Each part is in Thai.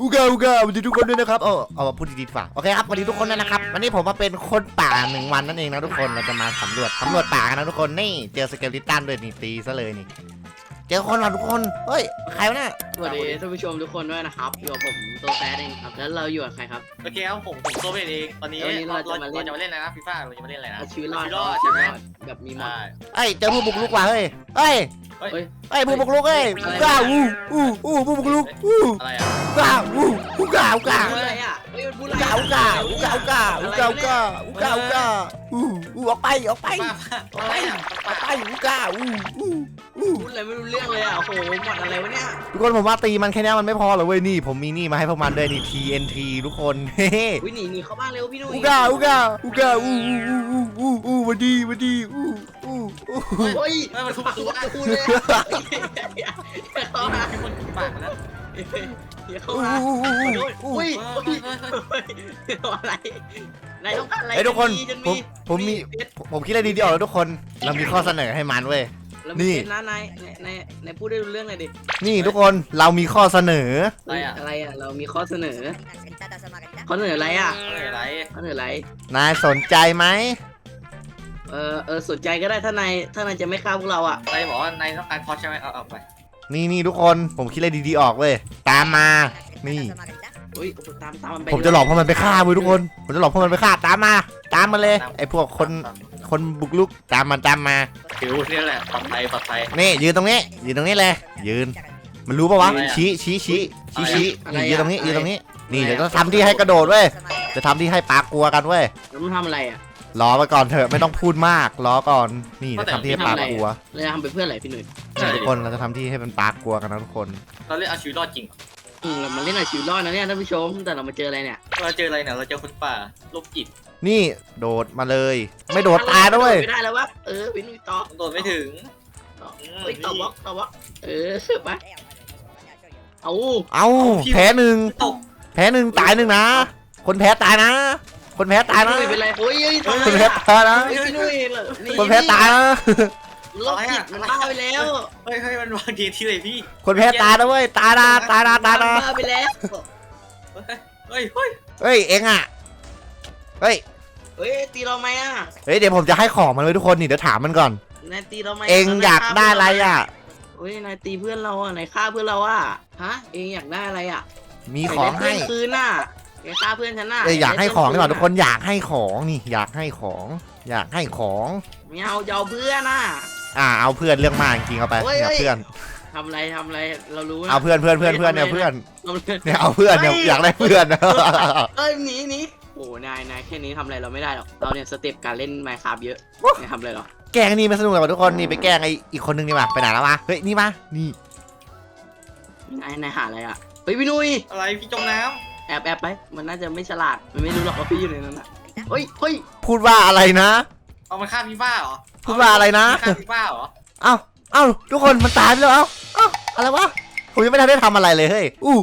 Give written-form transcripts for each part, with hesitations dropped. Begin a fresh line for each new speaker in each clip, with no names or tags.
อุกาสวัสดีทุกคนด้วยนะครับเอาพูดดีๆฝ่าโอเคครับสวัสดีทุกคนด้วยนะครับวันนี้ผมมาเป็นคนป่า1 วันนั่นเองนะทุกคนเราจะมาสำรวจป่ากันนะทุกคนนี่เจอสเกลิตันด้วยนี่ตีซะเลยนี่เจอคนเหรอทุกคนเฮ้ยใครวะเนี่ย
สวัสดีท่านผู้ชมทุกคนด้วยนะครับอยู่กับผมโตแฟร์เองครับแล้วเราอยู่กับใครครับ
โอเคครับผมโซเวตเองตอนนี้เราจะมาเล่นอะไรนะฟีฟ่าเราจะมาเล่นอะไรนะ
เอาชีวิตรอด
ใช่ไหม
แบบมีมอด
เฮ้ยเจอผู้บุกรุกว่ะเฮ้ยเฮ้ย
เฮ้ย
เฮ้ยผู้บุกรุกเฮ้ยอุกาผู้บุกรุก
อะไรอ่ะ
อุกา
พูดอะไรอ่ะเฮ้ยมันพูดอะไร
อุกาออกไปอุกา
พูดอะไรไม่รู้เรื่องเลยอ่ะโอ้โหหมดอะไรวะเนี่ย
ทุกคนผมว่าตีมันแค่นี้มันไม่พอหรอกเว้ยนี่ผมมีนี่มาให้พวกมันด้วยนี่ TNT ทุกคนเฮ้
วิ่งหนีเข้าบ้านเร็วพี่นุ้ย
อุกาวันดี
เฮ้ย
มันทุบตัว
พูดเลยเข้ามา
มีคนปากนะ
เข้ามาอุ้ยอะไรนายต้องการอะไร
ไอ้ทุกคนผมคิดอะไรดีๆออกแล้วทุกคนเรามีข้อเสนอให้มันเว้ย
นี่นะนายพูดได้รู้เรื่องเลยดิ
นี่ทุกคนเรามีข้อเสนอ
อะไรอ่ะเรามีข้อเสนออะไรอ่ะ
อะไร
นายสนใจไหม
สนใจก็ได้ถ้านายจะไม่ฆ่าพวกเราอ่ะ
นายบอกว่านายต้องการพอใช่ไหมเอาไป
นี่ทุกคนผมคิดอะไรดีๆออกเว้ยตามมานี่
อุ้ยตามมันไป
ผมจะหลอกพวกมันไปฆ่าเว้ยทุกคนผมจะหลอกพวกมันไปฆ่าตามมาเลยไอ้พวกคนบุกลุกตามมา
ผิวนี่แหละปลอดภัย
นี่ยืนตรงนี้เลยยืนมันรู้ปะวะชี้ยืนตรงนี้นี่เดี๋ยวจะทำที่ให้กระโดดเว้ยจะทำที่ให้ปลากลัวกันเว้ย
แล้วมันทำอะไรอ่ะ
รอไปก่อนเถอะไม่ต้องพูดมากรอก่อนนี่จะทำที่ให้ปลากลัว
เราจะทำไปเพื่ออะไรพี่หนุ่ย
ทุกคนเราจะทำที่ให้เป็นปลากลัวกันนะทุกคน
เราเล่นเอาชีวิตรอดจริง
เรามาเล่นเอาชีวิตรอดนะเนี่ยท่านผู้ชมแต่เรามาเจออะไรเนี่ย
เราเจออะไรเนี่ยเราเจอคนป่าโรคจิต
นี่โดดมาเลย ไม่โดดตายด้วย
ไม่ได้แล้ววะพี่หนุ่ยต่อ
โดดไม่ถึง
ต่อบล็อกไปเอา
แพ้หนึ่ง
ตก
ตายหนึ่งนะคนแพ้ตายนะ
พี่หนุ่ยเป็นไรโอ้ย
คนแพ้ตายนะ
พี่หนุ่ย
คนแพ้ตายนะ
โรคจิตมันบ้าไปแล้ว
เฮ้ยมันวางทีที่เลยพี่
คนแพ้ตายนะเว้ยตายนะ
บ้าไปแล้ว
เฮ้ย
เฮ้ยเอ็งอ่ะเฮ้ย
ตีเราไหมอ่ะ
เดี๋ยวผมจะให้ของมันเลยทุกคนนี่เดี๋ยวถามมันก่อน
นายตีเราไหม
เอ็งอยากได้อะไรอ่ะ
นายตีเพื่อนเราอ่ะนายฆ่าเพื่อนเราอ่ะฮะเอ็งอยากได้อะไรอ่ะ
มีของให้
คืนน่ะแกฆ่าเพื่อนฉันน่ะ
อยากให้ของดีกว่าทุกคนอยากให้ของนี่อยากให้ของ
ไม่เอาจะเอาเพื่อนน่ะ
เอาเพื่อนเรื่องมากจริงเอาไปเนี่ยเพื่อน
ทำอะไรเรารู้
เอาเพื่อนเนี่ยเพื่อนเนี่ยเอาเพื่อนเนี่ยอยากได้เพื่อน
หนีโอ้นายแค่นี้ทำอะไรเราไม่ได้หรอกเราเนี่ยสเต็ปการเล่นไมค์คราฟเยอะนายทำอะไรหรอ
แกล้งนี่มันสนุกเลยทุกคนนี่ไปแกล้งไอ้อีกคนนึงนี่มาไปไหนแล้ววะเฮ้ยนี่มานี่
นายหาอะไรอ่ะพี่นุ้ย
อะไรพี่จมน้
แอบไปมันน่าจะไม่ฉลาดมันไม่รู้หรอกว่าพี่อยู่ในนั้นอ่ะเฮ้ย
พูดว่าอะไรนะ
ำเอามันฆ่าฟีฟ่าเหรอ
พูดว่าอะไรนะ
ฆ่าฟีฟ่าเหรอ
เอ้าทุกคนมันตายไปแล้วเอ้าอะไรวะผมยังไม่ทันได้ทำอะไรเลยเฮ้ยอู้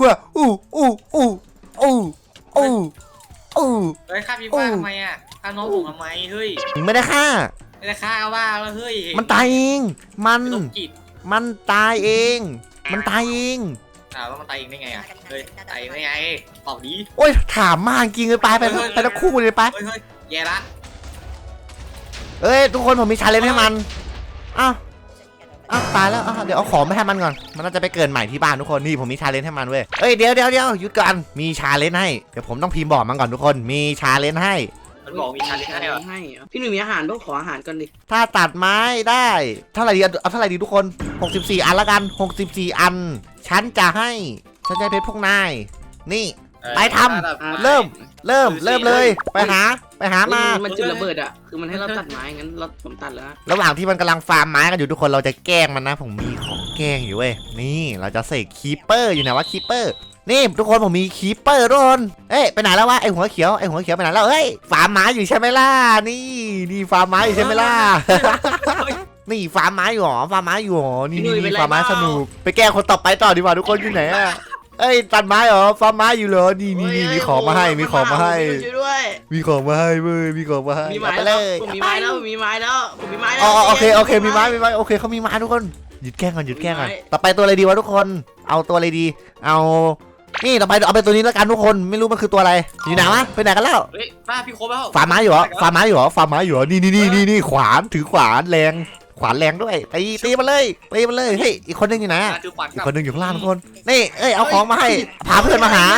เฮ้ยฆ่าฟีฟ่าทำไมอ่ะฆ่าน้องผมทำไมเฮ้ย
ไม่ได้ฆ่า
ไม่ได้ฆ่าว่าแล้วเฮ้ย
มันตายเองมัน
โรคจิต
ตายเองมันตายเอง
แล้วมันตายเองได้ไงอ่ะเฮ้ยตายเองได้ไงตอบดี
โอ้ยถามมากจริงเลยไปทั้งคู่เลยไป
เฮ้ยแย่ละ
เอ้ยทุกคนผมมีชาเลนจ์ให้มันอ้าวตายแล้วเดี๋ยวเอาของไปให้มันก่อนมันน่าจะไปเกินใหม่ที่บ้านทุกคนนี่ผมมีชาเลนจ์ให้มันเว้ยเอ้ยเดี๋ยวหยุดก่อนมีชาเลนจ์ให้เดี๋ยวผมต้องพิมพ์บอกมันก่อนทุกคนมีชาเลนจ์ให้
มันบอกมีชาเลนจ์ให้เหรอ
พี่หนุ่ยมีอาหารต้องขออาหารก่อนดิ
ถ้าตัดไม้ได้เท่าไหร่ดีเอาเท่าไหร่ดีทุกคน64อันละกัน64อันฉันจะให้เพชรพวกนายนี่ไปทำเริ่มเลยไปหามา
มันจุดระเบิดอ่ะคือมันให้เราตัดไม้งั้นผมตัดแล้ว
ระหว่างที่มันกำลังฟาร์มไม้กันอยู่ทุกคนเราจะแกล้งมันนะผมมีของแกล้งอยู่เว้ยนี่เราจะเสกคีปเปอร์อยู่ไหนวะคีปเปอร์นี่ทุกคนผมมีคีปเปอร์ทุกคนไปไหนแล้ววะไอหัวเขียวไปไหนแล้วฟาร์มไม้อยู่ใช่ไหมล่ะนี่ฟาร์มไม้อยู่ใช่ไหมล่ะ นี่ฟาร์มไม้อยู่หรอนี่ฟาร์มไม้สนุกไปแกล้งคนต่อไปต่อดีกว่าทุกคนอยู่ไหนอะตัดไม้เหรอฟาร์มไม้อยู่เหรอนี่มีของมาให้มีของมาให้เว้ยมีของมาให้
มีไม้แล้วผมมีไม้แล้ว
โอเคมีไม้โอเคเขามีไม้ทุกคนหยุดแกล้งก่อนต่อไปตัวอะไรดีวะทุกคนเอาตัวอะไรดีเอานี่ต่อไปเอาไปตัวนี้แล้วกันทุกคนไม่รู้มันคือตัวอะไรอยู่ไหนวะไปไหนกันแล้ว
เฮ้ยป้าพี่ครบแล้ว
ฟาร์มม้าอยู่เหรอฟาร์มม้าอยู่เหรอฟาร์มม้าอยู่เหรอนี่ขวานถือขวานแรงขวานแรงด้วยตีมันเลยเฮ้ยอีกคนนึงอยู่ไหน
ถือขวาน
อีกคนนึงอยู่ข้างล่างทุกคนนี่เอ้ยเอาของมาให้พาเพื่อนมาหา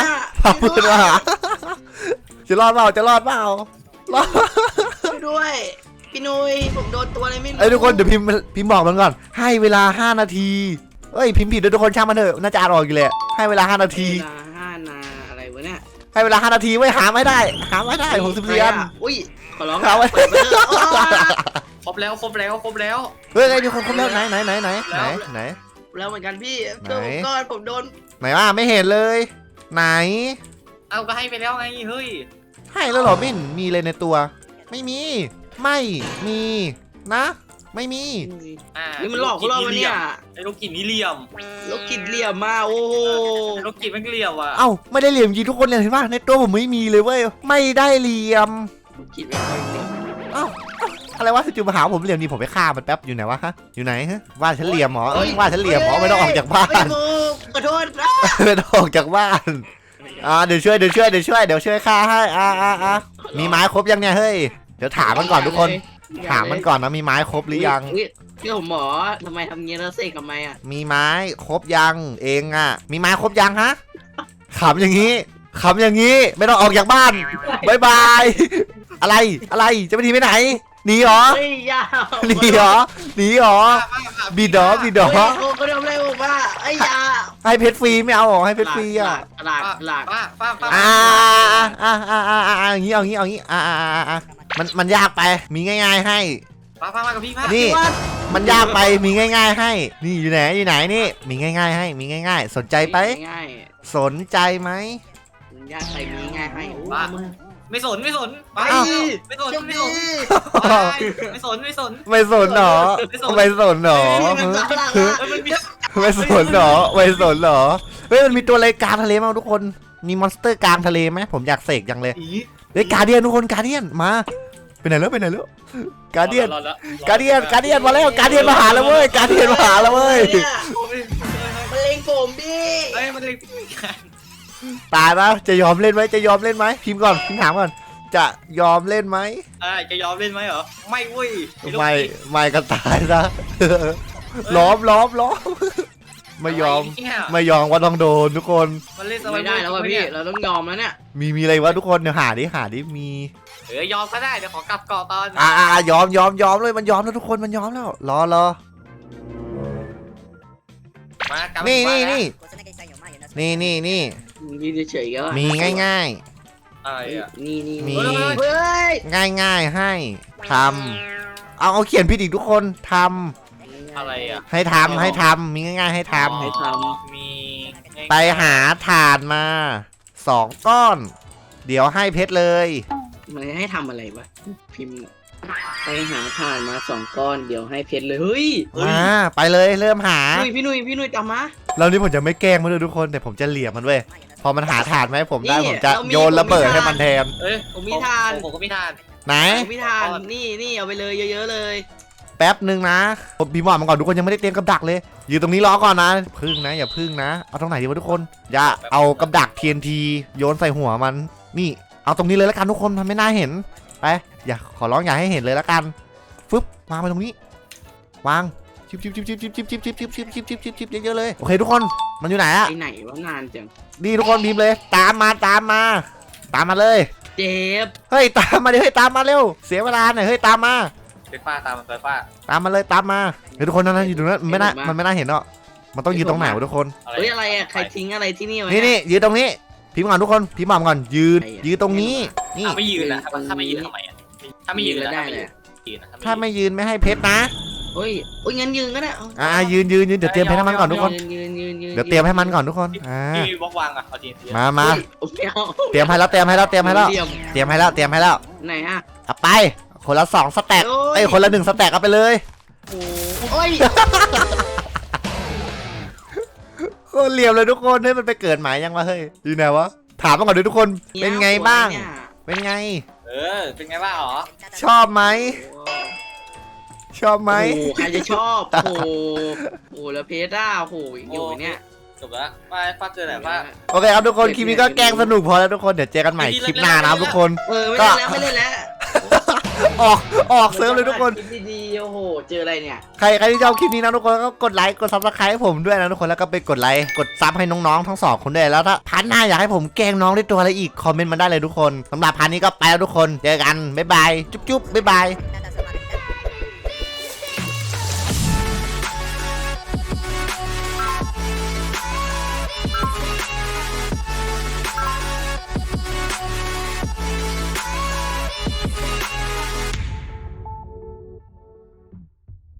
จะรอดเปล่ารอด
ช่วยด้วยพี่นุ้ยผมโดนตัวอะไรไม่รู้
เอ้ยทุกคนเดี๋ยวพิมพ์บอกมันก่อนให้เวลา5 นาทีเอ้ยพิมพ์ผิดด้วยทุกคนช่างมันเถอะน่าจะอ่านออกอยู่เลยให้เวลา5 นาที
เวลา5 นาอะไรวะเนี่ย
ให้เวลา5 นาทีไว้หาไม่ได้64 อัน
อุ้ยขอร้อง
หาไว้
เปิดเบอร์
ครบแล้ว
เฮ้ยมีคนครบแล้วไหน
แล้วเหมือนกันพี่
ไหน
ช่วยผมก่อนผมโดน
ไหนว่าไม่เห็นเลย ไหน
เอาก็ให้ไปแล้วไงเฮ้ย
ให้แล้วเหรอมิ่นมีเลยในตัว ไม่มีนะไม่มี
นี่มันหลอกพวกเราวะเนี่ย
ไอ้ลูกกินนี่เหลี่ยม
ลูกกิดเหลี่ยมมาโอ้โห
ไอ้ลูกกินมันเหลี่ยมอ่ะ
เอ้าไม่ได้เหลี่ยมจริงทุกคนเลยเห็นป่ะในตัวผมไม่มีเลยเว้ยไม่ได้เหลี่ยม
ลูกกิดไม่ค่อยเหลี่ยม
เอ้าอะไรวะจู่ๆมาหาผมเหลี่ยมนี่ผมไปฆ่ามันแป๊บอยู่ไหนวะฮะอยู่ไหนฮะว่าฉันเหลี่ยมหรอว่าฉันเหลี่ยมหรอไม่ต้องออกจากบ้าน
ไม่ถูกขอโทษนะ
ไม่ต้องออกจากบ้านเดี๋ยวช่วยฆ่าให้มีไม้ครบยังเนี่ยเฮ้ยเดี๋ยวถามมันก่อนทุกคนถามมันก่อนนะมีไม้ครบหรือยัง
พี่ผมหมอทำไมทำเงี้ยแล้วเสกทำไมอ่ะ
มีไม้ครบยังเองอ่ะมีไม้ครบยังฮะขำอย่างนี้ไม่ต้องออกจากบ้านบายบายอะไรจะไปทีไปไหนหนีเหรอ
เฮ้ยยาว
หนีเหรอบิดเหรอ
เฮ้ยโอ้ก็ทำอะไรผมว่าไอ้ยา
ให้เพชรฟรีไม่เอาหรอให้เพชรฟรีอ่ะ
หลาก
ป้า
อย่างงี้เอางี้มันยากไปมีง่ายๆให้
ป้ากับพี่ป้า
นี่มันยากไปมีง่ายๆให้นี่อยู่ไหนนี่มีง่ายๆให้มีง่ายๆสนใจไป
ง่าย
สนใจไหม
ยากไปมีง่ายให้
ป้าไม่สนป้าไม่สนไม่สนไม่สน
หรอไม่สนหรอเฮ้ยมันมีตัวอะไรกลางทะเลมั้งทุกคนมีมอนสเตอร์กลางทะเลไหมผมอยากเสกจังเลยเฮ้ยการเดียนทุกคนการเดียนมาไปไหนแล้วการเดียนมาแล้วการเดียนมาหาแล้วเว้ยมัน
เล็งผมดิ
เอ้ยมันเล็ก
ตายปะจะยอมเล่นไหมพิมพ์ก่อนพิมพ์ถามก่อนจะยอมเล่นไหม
จะยอมเล่นไหมเหรอไม่เว้ย
ไม่ก็ตายซะล้อมไม่ยอมว่าต้องโดนทุกคน
มันเล่น
ไม่ได้แล้วว่ะพี่เราต้องยอมแล้วเนี่ย
มีอะไรวะทุกคนเดี๋ยวหาดิมี
ยอมก็ได้เดี๋ยวขอกลับเกาะตอน
ยอมเลยมันยอมแล้วทุกคนมันยอมแล้วรอนี่
เฉยๆก็
มีง่าย
อะไรอ่ะ
นี่
มี
เฮ้ย
ง่ายให้ทำเอาเขียนผิดอีกทุกคนทำ
อะไรอ่ะ
ให้ทำมีง่ายๆให้ทำ
ให้ท
มี
ไปหาถ่านมา2 ก้อน เดี๋ยวให้เพชรเลย
มันให้ทำอะไรวะพิมพ์ไปหาถ่านมา2 ก้อนเดี๋ยวให้เพชรเลยเฮ้ย
มาไปเลยเริ่มหา
พี่นุ้ยตามมา
แล้วนี่ผมจะไม่แกล้งมันเลยทุกคนแต่ผมจะเหลี่ยมมันเว้ยพอมันหาถ่านไหมาให้ผมได้ผมจะโยนระเบิดให้มันแทน
ผมมีทาน
ผมก็มีทาน
ไหน
ผมมีทานนี่เอาไปเลยเยอะๆเลย
แป๊บนึงนะผมพิมพ์บอกมันก่อนทุกคนยังไม่ได้เตรียมกับดักเลยอยู่ตรงนี้รอก่อนนะพึ่งนะอย่าพึ่งนะเอาตรงไหนดีวะทุกคนอย่าเอากับดัก TNT โยนใส่หัวมันนี่เอาตรงนี้เลยแล้วกันทุกคนมันไม่น่าเห็นไปอย่าขอร้องอย่าให้เห็นเลยแล้วกันฟึบวางไปตรงนี้วางชิบเยอะๆเลยโอเคทุกคนมันอยู่ไหนอะ
ไปไหนวะนานจัง
นี่ทุกคนพิมพ์เลยตามมาเลย
เจ็บ
เฮ้ยตามมาดิเฮ้ยตามมาเร็วเสียเวลาหน่อยเฮ้ยตามมา
เป็นป้าตามมันไปป้า
ตามมาเลยตามมาเฮ้ยทุกคนนั่นอยู่ตรงนั้นมันไม่น่าเห็นหรอกมันต้องยืนตรงไหนวะทุกคน
เฮ้ยอะไรอ่ะใครทิ้งอะไรที่นี่วะ
นี่ยืนตรงนี้พิมพ์ก่อนทุกคนพิมพ์ก่อนยืนตรงนี้นี่
ถ้าไม่ยืนนะถ้าไม่ยืนทำไมอ่ะถ้าไม่ยืนแล้วได้เลย
ถ้าไม่ยืนไม่ให้เพชรนะ
เฮ้ยงั้นยืนก็ได้
ยืนเดี๋ยวเตรียมเพชรให้มันก่อนทุกคน
ยืน
เดี๋ยวเตรียมให้มันก่อนทุกคน
พี่มีบล็อกวางอ่ะเอาที
มาเตรียมให้แล้วเตรียมให้แล้ว
ไหนฮะ
เอาไปคนละ2 สแต็กคนละ1 สแต็กเอาไปเลย
โอ้ย
โคตรเหลี่ยมเลยทุกคนให้มันไปเกิดหมายยังวะเฮ้ยอยู่ไหนวะถามมาก่อนดิทุกคนเป็นไงบ้างเป็นไง
เป็นไงบ้างหรอ
ชอบไหม
โอ้ใครจะชอบโอ้แล้วเพชรโอ้อยู่เนี่ย
จบแล้วมาฟ้าเกินไหนฟ้า
โอเคครับทุกคนคลิปนี้ก็แกล้งสนุกพอแล้วทุกคนเดี๋ยวเจอกันใหม่คลิปหน้านะครับทุกคน
ไม่เล่นแล้ว
ออกเซิร์ฟเลยทุกคน
คลิปดีๆโอ้โหเจออะไรเนี่ย
ใครที่ชอบคลิปนี้นะทุกคนก็กดไลค์กดซับสไครต์ให้ผมด้วยนะทุกคนแล้วก็ไปกดไลค์กดซับให้น้องๆทั้งสองคนด้วยแล้วถ้าพาร์ทหน้าอยากให้ผมแกล้งน้องด้วยตัวอะไรอีกคอมเมนต์มาได้เลยทุกคนสำหรับพาร์ทนี้ก็ไปแล้วทุกคนเจอกันบ๊ายบายจุ๊บๆบ๊ายบาย